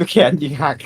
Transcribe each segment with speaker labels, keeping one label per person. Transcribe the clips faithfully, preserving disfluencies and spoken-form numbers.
Speaker 1: ลูกแขนยิงหัก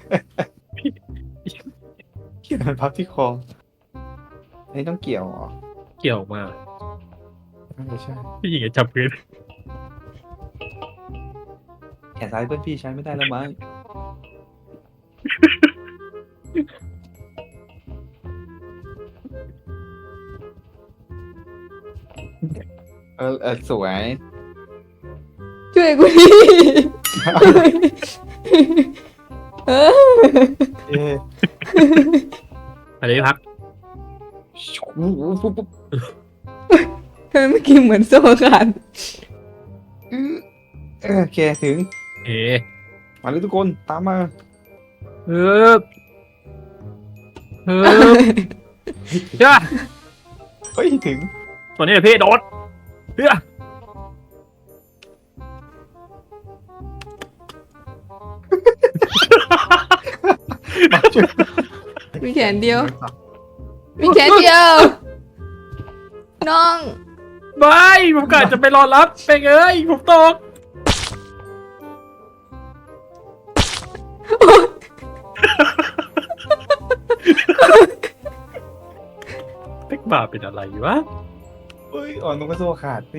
Speaker 1: เกี่ยวมันพับที่คออันนี้ต้องเกี่ยวเหรอ
Speaker 2: เกี่ยวมา
Speaker 1: ไม่ใช่
Speaker 2: พี่หญิงจะจับพื้น
Speaker 1: แขนซ้ายเพื่อนพี่ใช้ไม่ได้แล้วมั้งเออเออสวย
Speaker 3: ช่วยกูดิเออ
Speaker 1: เอ๊ะ
Speaker 2: อะไรพัก
Speaker 3: ทำไมเมื่อกี้เหมือนโซ่ขาด
Speaker 1: เออโอเคถึง
Speaker 2: เอ๋
Speaker 1: มาเลยทุกคนตามมา
Speaker 2: เฮ้ยเฮ้ยจ้า
Speaker 1: เฮ้ยถึง
Speaker 2: ตัวนี้เลยพี่โดดเฮ้ย
Speaker 1: มาช่วย
Speaker 3: มีแขนเดียว มีแขนเดียว น้อง
Speaker 2: ไม่ผมกะจะไปรอรับไปเอ้ยผมตกเป๊กบ้าเป็นอะไรวะ
Speaker 1: เฮ้ยอ่อนลงกระโซ่ขาดพี่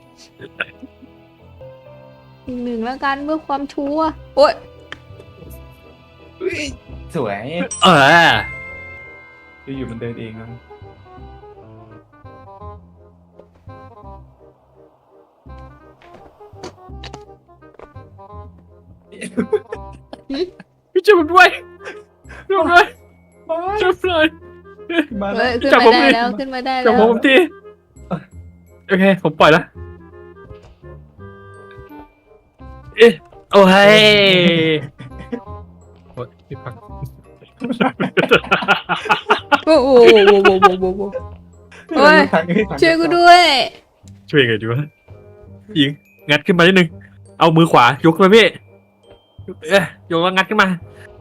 Speaker 3: อีกหนึ่งแล้วกันเพื่อความชัวร์โอ๊ย
Speaker 1: เฮ้ยสวย
Speaker 2: เออ
Speaker 1: อยู่ๆมันเดินเองนะ
Speaker 2: พี่ช่วยผมด้วยช่วยผมด้วยช่วยผมหน่อย
Speaker 1: มา
Speaker 3: เฮ้
Speaker 1: แล้ว
Speaker 3: ยขึ้น
Speaker 2: จับ
Speaker 3: มา
Speaker 2: ผม
Speaker 3: ได้
Speaker 2: ดิ
Speaker 3: แล้วขึ้นมาได้
Speaker 2: จั
Speaker 3: แล้
Speaker 2: บ
Speaker 3: ว
Speaker 2: ผมผมทีโอเคผมปล่อยแล้วเอ๊ะโอ้ยโอ๊ยพี่พัก
Speaker 3: โอ้โหโอ้โหโอ้โหโอ้โหโอ้โหโอ้ยช่วยกูด้วย
Speaker 2: ช่วยไงดีวะยิงงัดขึ้นมานิดนึงเอามือขวายกขึ้นมาพี่เอ๊ะยกแล้วงัดขึ้นมา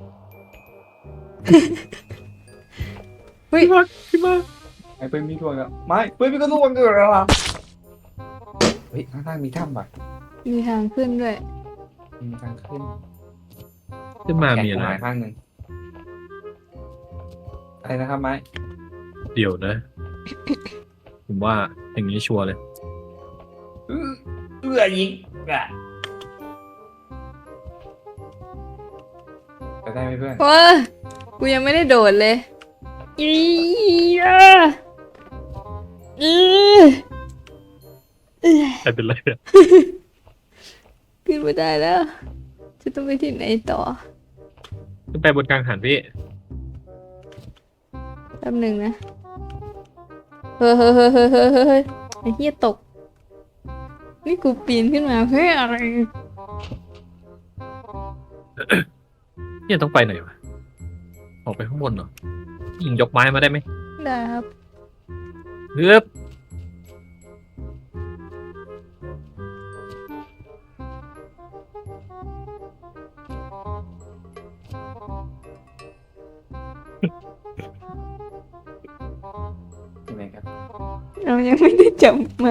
Speaker 3: เฮ้ย
Speaker 2: พี่พักขึ้นมา
Speaker 1: ไอ้เปิ้ลมีดวงอ่ะไม่เปิ้ลมีกระโดดเกิดอะไรเฮ้ยข้างๆมีถ้ำป่ะ
Speaker 3: มีทางขึ้นด้วย
Speaker 1: มีทางขึ้น
Speaker 2: ขึ้นมามีอะไร
Speaker 1: แขนกูหายข้างหนึ่งอะไรนะครับไม้
Speaker 2: เดี๋ยวนะ ผมว่าอย่างนี้ชัวร์เลย
Speaker 1: เอื้อเอื้อยิงอ่ะไปได้ไหมเพื่อน
Speaker 3: โอ้ยกูยังไม่ได้โดดเลยอีอ่ะอีเอ้ย
Speaker 2: ใครเป็นไรเนี่ย
Speaker 3: ขึ้นไม่ได้แล้ว จะต้องไปที่ไหนต่อ
Speaker 2: ขึ้นไปบนกลางหันพี่
Speaker 3: แป๊บหนึ่งนะ เฮ้ยเฮ้ยเฮ้ยเฮ้ยเฮ้ยเฮ้ยเฮ้ยไอ้เหี้ยตก นี่กูปีนขึ้นมาเพื่ออะไร
Speaker 2: เนี่ยต้องไปไหนวะออกไปข้างบนเหรอยิงยกไม้มาได้ไหม
Speaker 3: ได้ครับ
Speaker 2: เฮ้ย
Speaker 1: ยังไงครับ
Speaker 3: เรายังไม่ได้จับมา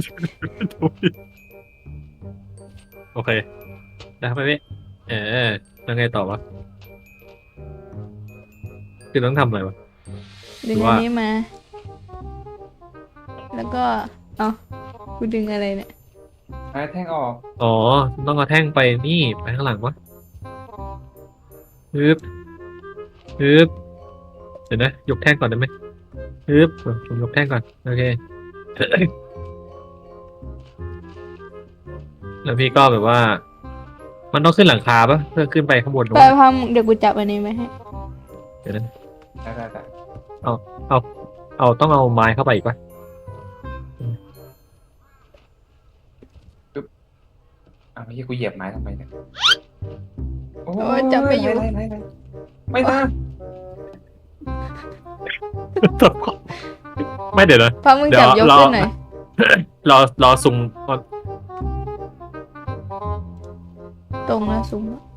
Speaker 2: โอเคได้ครับพี่เออแล้วไงต่อวะคือต้องทำอะไรวะ
Speaker 3: ดึง
Speaker 2: หรือ
Speaker 3: อั
Speaker 2: ว่า
Speaker 3: นนี้มา แล้วก็ เอากูดึงอะไรเนี่ย
Speaker 1: ไม้แท่งออก
Speaker 2: อ๋อต้องเอาแท่งไปนี่ไปข้างหลังวะฮึบฮึบเดี๋ยวนะยกแท่งก่อนได้ไหมฮึบผมยกแท่งก่อนโอเค แล้วพี่ก็แบบว่า มันต้องขึ้นหลังคาปะเพื่อขึ้นไปข้างบน
Speaker 3: ไปพามเดี๋ยวกูจับอันนี้ไหมาให้
Speaker 2: เดี๋ยวนั้น
Speaker 1: ได้ได้ได้
Speaker 2: เอาต้องเอาไม้เข้าไปอีกปะ
Speaker 1: อ้าวไม่ใช่กูเหยียบไม้ทำไมเนี่ยโอ้
Speaker 3: โอ้ยจับไม่อยู่
Speaker 1: ไม่ไม่ไม่ไม่นะ
Speaker 2: ไม่เดี๋ยวนะ
Speaker 3: พามึงจับยกขึ้นหน่อย
Speaker 2: รอรอซุ่มก่อน
Speaker 3: ตรงแล้วสูงแล้ว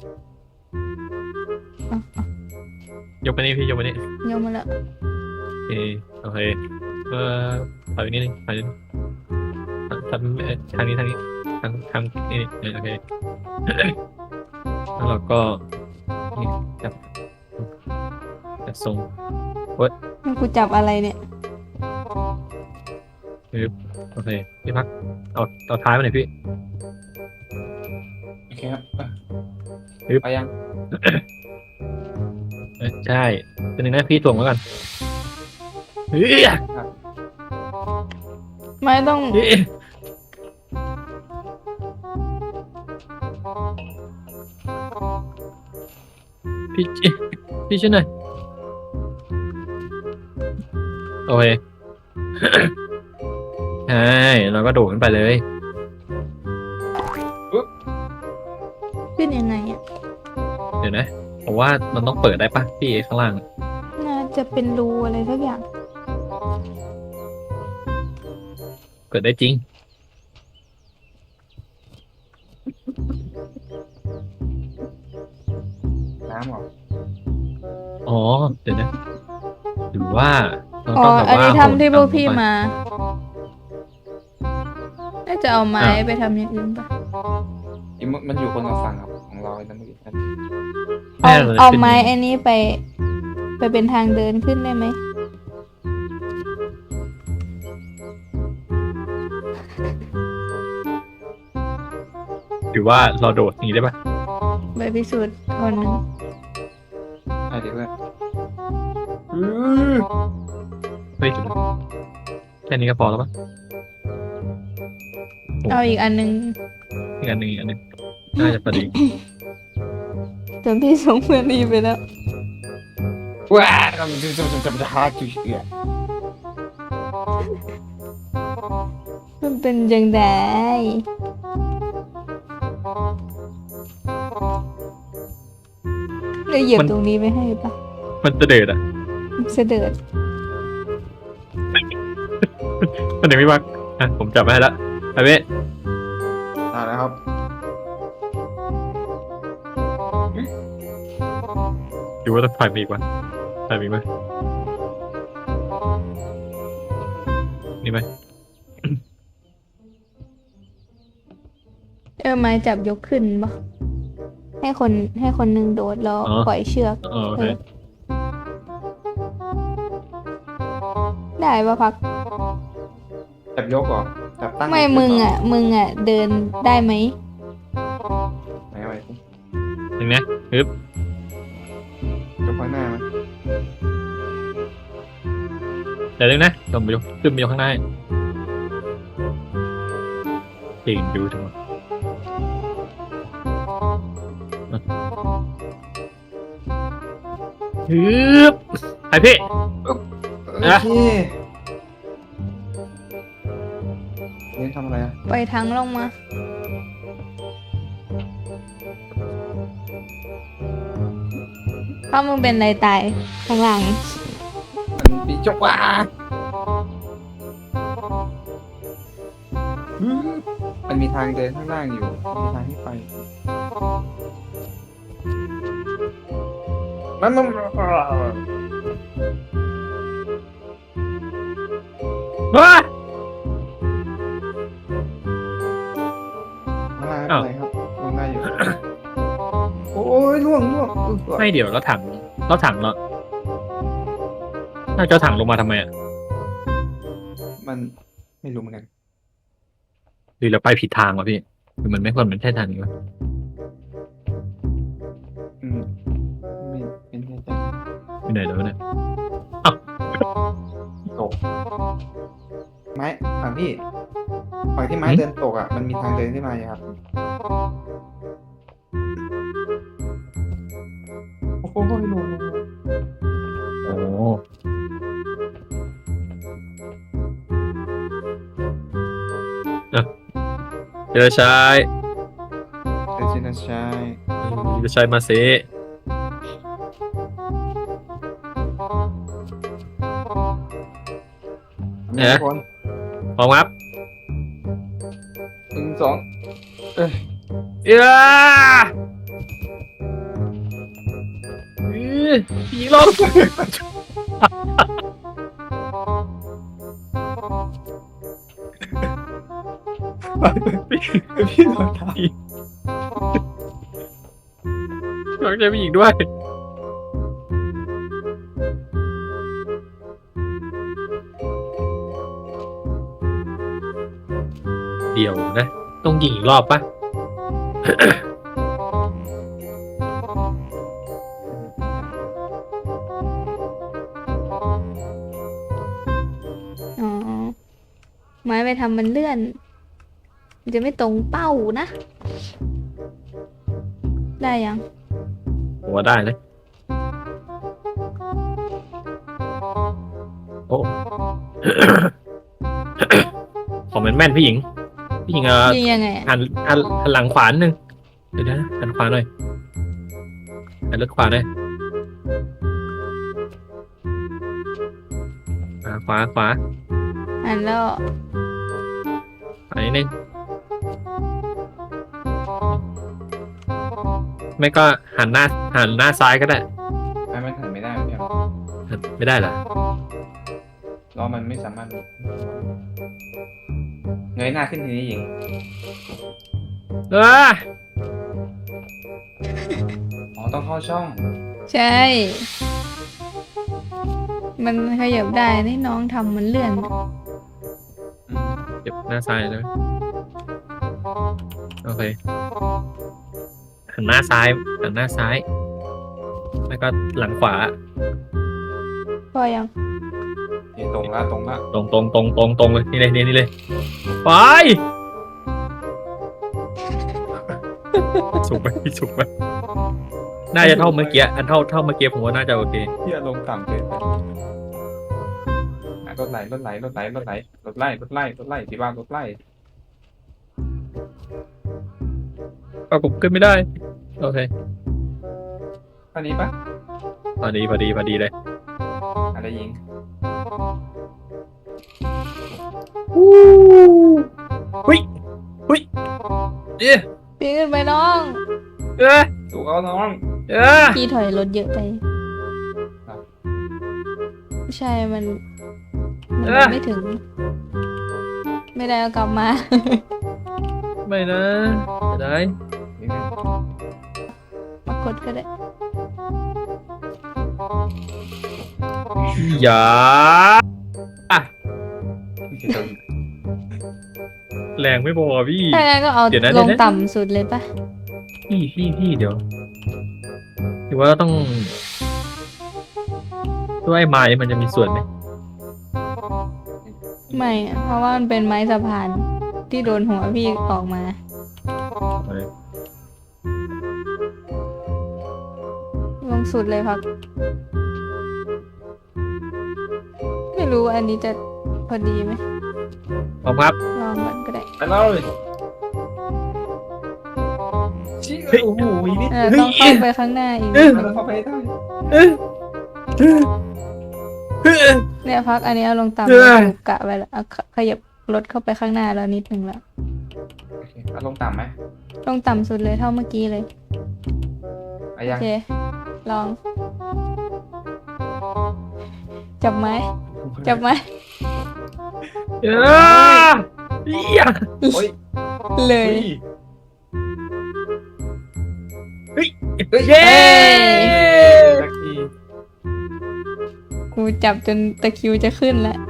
Speaker 2: ยกไปนี่พี่ยกไปนี่
Speaker 3: ยกมาแล้ว
Speaker 2: โอเคโอเคเอ่อถอยนิดนึงถอยนิดนึงทำเอ่อทางนี้ทางนี้ทางทางนี่นี่โอเคแล้วเราก็นี่จับจับทรง
Speaker 3: ให้กูจับอะไรเนี่ย
Speaker 2: โอเคพี่พักเอาเอาท้ายมาหน่อยพี่
Speaker 1: โอเคครับอ่ะ
Speaker 2: ฮึบ
Speaker 1: ไปยัง
Speaker 2: เอ้ยใช่เป็นหนึ่งนะพี่ถ่วงไว้ก่อนเฮ้ย
Speaker 3: ไม่ต้อง
Speaker 2: เฮ้ยพี่พี่ช่วยหน่อยโอเค ใช่เราก็โดดขึ้นไปเลย
Speaker 3: ขึ้นยังไงอ่ะ
Speaker 2: เดี๋ยวนะผมว่ามันต้องเปิดได้ปะพี่ข้างล่าง
Speaker 3: น่าจะเป็นรูอะไรสักอย่าง
Speaker 2: เปิดได้จริง
Speaker 1: น้ำเหรอ
Speaker 2: อ๋อเดี๋ยวนะหรือว่าเรา
Speaker 3: อ๋อ
Speaker 2: ต้องแบบ
Speaker 3: อัน
Speaker 2: ว่า
Speaker 3: นี้ทำที่พวกพี่
Speaker 2: โหนต่ำลงไป
Speaker 3: มา น่าจะเอาไม้
Speaker 2: อ่ะ
Speaker 3: ไปทำอย่างอื่นปะ
Speaker 1: อีมันมันอยู่คนละฝั่งครับของเราไอ้นั่นเมื่อกี้นั่น
Speaker 3: เอา
Speaker 2: แน่เลย
Speaker 3: เอา
Speaker 2: เป็น
Speaker 3: ไม้
Speaker 2: ย่ง
Speaker 3: อันนี้ไป ไปเป็นทางเดินขึ้นได้ไหม
Speaker 2: หรือว่าเราโดดหนีได้ปะ
Speaker 3: ไปพิสูจน์คนหนึ่ง
Speaker 1: ไอ้เด็กเลยอือ
Speaker 2: เฮ้ยเดี๋ยวนะแค่นี้ก็พอแล้วปะ
Speaker 3: เอาอีกอันหนึง
Speaker 2: อีกอันหนึ่งอีกอันหนึ่งน่าจะพอดี
Speaker 3: จนพี่ส่งเพื่อนรีไปแล้ว
Speaker 1: ว้าจะจะจะจะจะหาจุดเอือ
Speaker 3: มันเป็นยังไงเลยเหยียบตรงนี้ไม่ให้ปะ
Speaker 2: มันจะเดือดอ่ะ
Speaker 3: เสด็จ
Speaker 2: มันยังไม่วักอ่ะผมจับไว้ให้แล้วไอ้เว้ย
Speaker 1: ได้แล้วครับ
Speaker 2: ดูว่าต้องถ่ายมีอีกวะถ่ายมีไหมนี่ไหม
Speaker 3: เออไม้จับยกขึ้นปะให้คนให้คนหนึ่งโดดแล้วปล่อยเชือก
Speaker 2: เออโอเค
Speaker 3: ได้ปะพัก
Speaker 1: จับยกเหรอจับตั้ง
Speaker 3: ไม่มึงอ่ะ มึงอ่ะ เดินได้ไหม
Speaker 1: ไหนไว้
Speaker 2: หนึ่งนะฮึบ
Speaker 1: ยกข้างหน้ามั้ย
Speaker 2: เดี๋ยวนึงนะลงไปยกขึ้นไปยกข้างหน้าเก่งดูทั้งหมดฮึบไอพี่
Speaker 1: โอ
Speaker 2: นะ
Speaker 1: เคเล่นทำอะไรอ่ะ
Speaker 3: ปล่อยทั้งลงมา เพราะมึงเป็นอะไรตายข้างหลัง
Speaker 1: มันปีจกว่าอือมันมีทางเดินข้างล่างอยู่มีทางที่ไปมันมัน
Speaker 2: ว้า
Speaker 1: อะไรอะไรครับลงได้อยู่ โอ้ยล่วงล่วงอุ๊ย
Speaker 2: ไม่เดี๋ยวเราถังเราถังเราน่าจะเอาถังลงมาทำไมอ่ะ
Speaker 1: มันไม่รู้เหมือนกัน
Speaker 2: หรือเราไปผิดทางวะพี่หรือมันไม่ควรเป็นใช่ทางนี้วะ
Speaker 1: อืมไม่ไม่แน่ใจ
Speaker 2: ไปไหนแล้วเนี่ย
Speaker 1: ตกไม้ฝั่งพี่ฝั่งที่ไม้เดินตกอ่ะมันมีทางเดินขึ้นมาอยู่ครับโอ้โหลงลงลง
Speaker 2: โอ้เดี๋ยวชาย
Speaker 1: เดชินาชาย
Speaker 2: เดี๋ยวชายมาเซ
Speaker 1: มีทุกคน
Speaker 2: พร้อมครับ
Speaker 1: หนึ่งสองเอ้ย
Speaker 2: เอ้ยอื้อผีหลอก
Speaker 1: พี่โดนทาง
Speaker 2: น้องใจผู้หญิงด้วยเดี๋ยวนะต้องยิงอีกรอบปะ
Speaker 3: อ๋อไม้ไปทำมันเลื่อน มันจะไม่ตรงเป้านะ ได้ยัง
Speaker 2: ผมว่าได้นะโอ้ ของแม่นแม่นพี่หญิงพี่หญิงเออ
Speaker 3: ยิงยังไงอะ
Speaker 2: หันหันหันหลังขวานิดนึงเดี๋ยวนะหันขวาหน่อยหันเลือกขวาหน่อยอ่าขวาขวา
Speaker 3: อันแล้ว
Speaker 2: ขวานิดนึงไม่ก็หันหน้าหันหน้าซ้ายก็ได้
Speaker 1: ไม่ไม่ถันไม่ได้พี่เอา
Speaker 2: หันไม่ได้เหรอ
Speaker 1: ล้อมันไม่สามารถเงยหน้าขึ้นทีนี้หญิง
Speaker 2: เออ
Speaker 1: อ๋อต้องเข้าช่อง
Speaker 3: ใช่ มันขยับได้นี่น้องทำมันเลื่อน
Speaker 1: อืม
Speaker 2: เก็บหน้าซ้ายเลยโอเคหันหน้าซ้ายหันหน้าซ้ายแล้วก็หลังขวา
Speaker 3: พอยัง
Speaker 1: นี่ตรงละตรงละ
Speaker 2: ตรงตรงตรงตรงตรงเลยนี่เลยนี่นี่เลยไปสุกไหมสุกไหมน่าจะเท่าเมื่อกี้อันเท่าเท่าเมื่อกี้ผมว่าน่าจะโอเค
Speaker 1: พี่อารมณ์ต่ำเกินไปอ่ะรถไหลรถไหลรถไหลรถไหลรถไล่รถไล่รถไล่ที่บ้านรถไล่
Speaker 2: เอาผมขึ้นไม่ได้โอเค
Speaker 1: อันนี้ปะ
Speaker 2: พอดีพอดีพอดีเลย
Speaker 1: อะไรหญิง
Speaker 2: หุ้ยหุ้ยเอ๊ะ
Speaker 3: ปีนขึ้นไปน้อง
Speaker 2: เอ๊ะ
Speaker 1: ถูกเอาน้อง
Speaker 2: เอ๊ะ
Speaker 3: พี่ถอยรถเยอะไป
Speaker 1: ครับ
Speaker 3: ใช่ มัน มันไม่ถึง ไม่ได้เอากลับมา
Speaker 2: ไม่นะจะได้
Speaker 1: นิดนึง
Speaker 3: มากดก็ได้
Speaker 2: อย่า
Speaker 1: พี่จะโดน
Speaker 2: แรงไม่พอพี่
Speaker 3: ถ้างั้นก็เอา
Speaker 2: เดี๋ยวนะ
Speaker 3: ล
Speaker 2: เดี๋ย
Speaker 3: ง
Speaker 2: วนะ
Speaker 3: ต่ำสุดเลยปะ
Speaker 2: พี่พี่พี่เดี๋ยวหรือว่าต้องด้วยไม้มันจะมีส่วนไหม
Speaker 3: ไม่อะเพราะว่ามันเป็นไม้สะพานที่โดนหัวพี่ออกมา
Speaker 2: เออ
Speaker 3: ลงสุดเลยพัก ไม่รู้ว่าอันนี้จะพอดีไหม
Speaker 2: พร้อมครับ
Speaker 3: ลองก่อนก็ได้
Speaker 1: ไปเลยชี้โอ้โหนิด
Speaker 3: เออต้องเข้าไปข้างหน้าอีก
Speaker 1: เราเข้าไปให้ได้
Speaker 2: เอ๊ะเอ๊ะเอ๊ะ
Speaker 3: เนี่ยพักอันนี้เอาลงต่ำ
Speaker 2: เออ
Speaker 3: ถูกกะไว้แล้วเอาขขยับรถเข้าไปข้างหน้าแล้วนิดนึงแล้ว
Speaker 1: โอเคเอาลงต่ำไหม
Speaker 3: ลงต่ำสุดเลยเท่าเมื่อกี้เลย
Speaker 1: อา
Speaker 3: โอ
Speaker 1: ยัง
Speaker 3: เค ลอง จับไม้ จับไม้
Speaker 2: เอ๊ะเหี้ย
Speaker 1: โอ้ย
Speaker 3: เลย
Speaker 1: เฮ้ย
Speaker 2: เย้
Speaker 1: สักที
Speaker 3: กูจับจนตะคริวจะขึ้นแล้ว